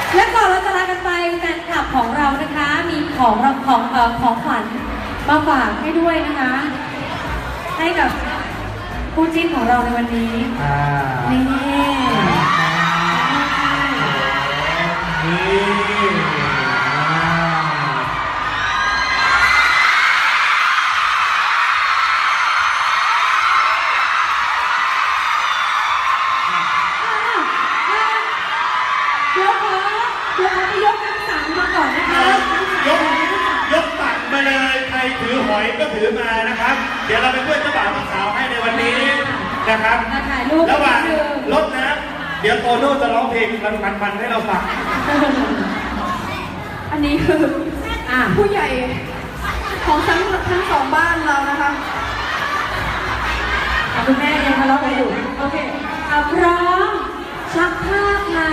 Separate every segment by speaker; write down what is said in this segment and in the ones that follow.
Speaker 1: และก่อนเราจะลากันไปแฟนคลับของเรานะคะ มีของของขวัญมาฝากให้ด้วยนะคะ ให้กับคู่จิ้นของเราในวันนี้นี่เดี๋ยวขอไปยกน้ำสังมาก่อนนะคะ
Speaker 2: ยกตักมาเลยใครถือหอยก็ถือมานะครับเดี๋ยวเราเป็นเพื่อนเจ้าบ่าวสาวให้ในวันนี้นะครับระหว่างรถนะเดี๋ยวโตโน่จะร้องเพลงมันให้เราฟัง
Speaker 3: อันนี้คือผู้ใหญ่ของทั้งสองบ้านเรานะคะ
Speaker 1: คุณแม่ยังทะเลาะกันอยู่โอเคพร้อมชักภาพค่ะ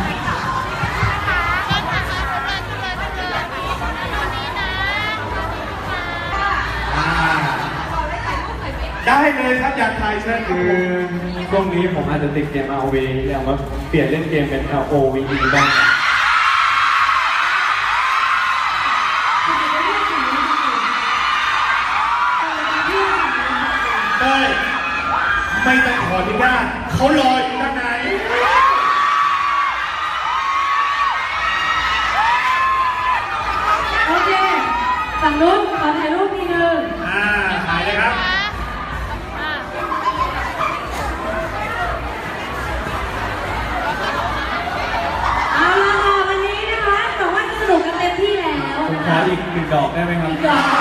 Speaker 2: ได้เลยครับอยากถ่ายเชิญ
Speaker 4: คือช่วงนี้ผมอาจจะติดเกม RV อยากมาเปลี่ยนเล่นเกมเป็น LOVE บ้าง
Speaker 2: ไม่ต้องขออนุญาตเขารออยู่ข้างใน
Speaker 1: โอเคฝั่งนู้นขอถ่ายรูปทีนึง
Speaker 2: ถ่ายเลยครับ
Speaker 1: เอาละค่ะวันนี้นะคะแต่ว่าสนุกกันเต็มที่แล้ว
Speaker 4: ผมขออีก1 ดอกได้ไหมครับ
Speaker 1: อีกดอก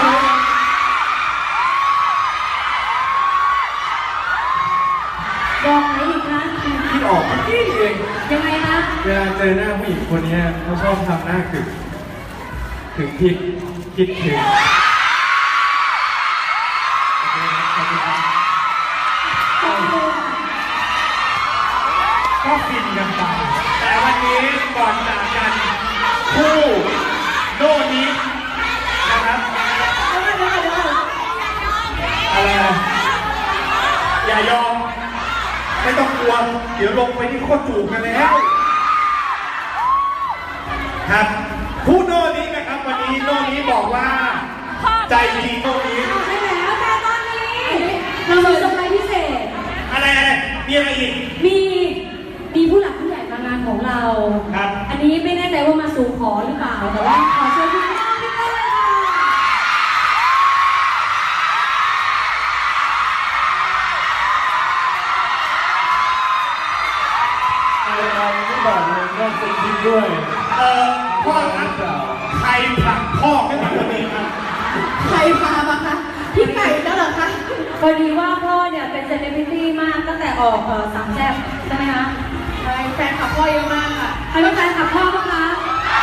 Speaker 1: ดอกไหนอีกคะ
Speaker 4: คิดออกนี่เอง
Speaker 1: ยังไงคะ
Speaker 4: เวลาเจอหน้าผู้หญิงคนนี้เขาชอบทำหน้าถึงผิดคิดถึง
Speaker 2: ก็ฟินกันไปแต่วันนี้ก่อนจากกันคู่โน่นี้นะครับอะไรอย่ายอมไม่ต้องกลัวเดี๋ยวลงไปที่โคตรจูบกันแล้วครับคู่โน่นี้นะครับวันนี้โน่นี้บอกว่าใจดีโน่นี้
Speaker 1: ใช่แล้วแต่ตอนนี้เรามีเซอร์ไพรส์พิเศษ
Speaker 2: อะไรมีอะไรอีก
Speaker 1: มีผู้หลักผู้ใหญ่มางานของเรา
Speaker 2: ครับ
Speaker 1: อันนี้ไม่แน่ใจว่ามาสู่ขอหรือเปล่าแต่ว่าขอเชิญพี่น้องพี่ต้นเลยค่ะ
Speaker 4: ไม่บอกเลยก็เป็นคิดด้วย
Speaker 2: พ่อครับใครผลักพ่อขึ้นมาวันนี้ครับ
Speaker 3: ใครพามาคะพี่ไก่แล้วเหรอคะ
Speaker 1: พอดีว่าพ่อเนี่ยเป็นเซเลบริตี้มากตั้งแต่ออกสามแซ่บใช่ไหมคะ
Speaker 3: ใช่แฟนขับพ่อเยอะมากค่ะ
Speaker 1: ใครเป็นแฟนขับพ่อบ้างคะ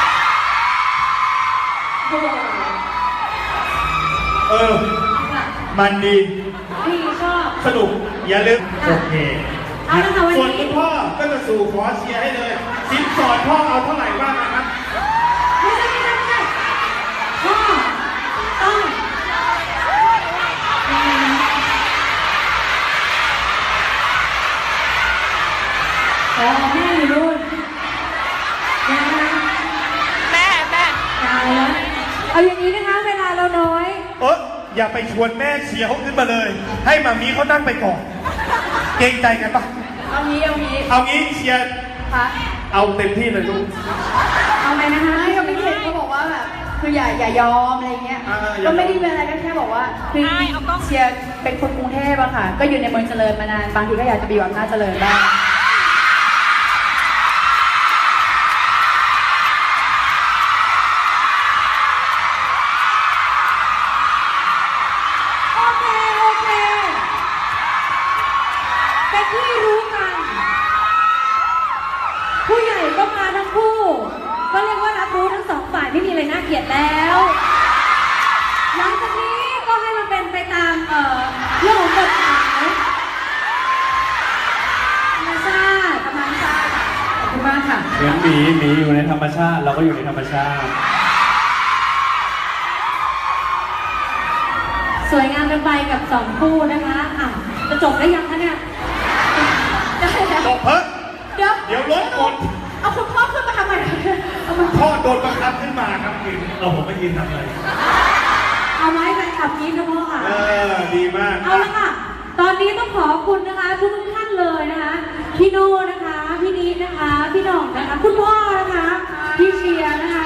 Speaker 2: มันดี
Speaker 1: พี่ชอบ
Speaker 2: สนุกอย่าลืมโอเคส่วนคุณพ่อก็จะสู่ขอเชียร์ให้เลยสินสอดพ่อเอาเท่าไหร่บ้างนะครับ
Speaker 1: ไม่ใช่พ่อต้องแม่อยู่นู่น
Speaker 3: แม่
Speaker 1: ตายแล้วเอาอย่างนี้นะคะเวลาเราน้อย
Speaker 2: อย่าไปชวนแม่เชียร์เขาขึ้นมาเลยให้มามีเขานั่งไปก่อนเกรงใจกันปะ
Speaker 3: เอางี้
Speaker 2: เชียร์เอาเต็มที่เลยลูก
Speaker 3: เอาไหมนะคะก็ไม่เห็นเขาบอกว่าแบบคืออย่ายอมอะไรเงี้ยก็ไม่ได้เป็นอะไรก็แค่บอกว่าคือเชียร์เป็นคนกรุงเทพอะค่ะก็อยู่ในเมืองเจริญมานานบางทีก็อยากจะไปอยู่อำนาจเจริญบ้าง
Speaker 1: เป็นที่รู้กันผู้ใหญ่ก็มาทั้งคู่ก็เรียกว่ารับรู้ทั้งสองฝ่ายไม่มีอะไรน่าเกลียดแล้วหลังจากนี้ก็ให้มันเป็นไปตามเรื่องของกฎหมายธรรมชาติขอบคุณมากค่ะ
Speaker 4: เหมือนหมีอยู่ในธรรมชาติเราก็อยู่ในธรรมชาติ
Speaker 1: สวยงามกันไปกับ2 คู่นะคะจะจบได้ยังคะเนี่ย
Speaker 2: จบเดี๋ยวรถหมด
Speaker 3: เอาคุณพ่อขึ้นมาทำไม
Speaker 2: พ่อโดนบังคับขึ้นมาครับกินผมไม่ยืนทำอะไร
Speaker 1: เอาไม้ไปขับนี้นะพ่อค่ะ
Speaker 2: ดีมาก
Speaker 1: เอาละค่ะ ตอนนี้ต้องขอบคุณนะคะทุกท่านเลยนะคะ พี่โน่นะคะ พี่นิดนะคะ พี่หน่องนะคะ คุณพ่อนะคะ พี่เชียร์นะคะ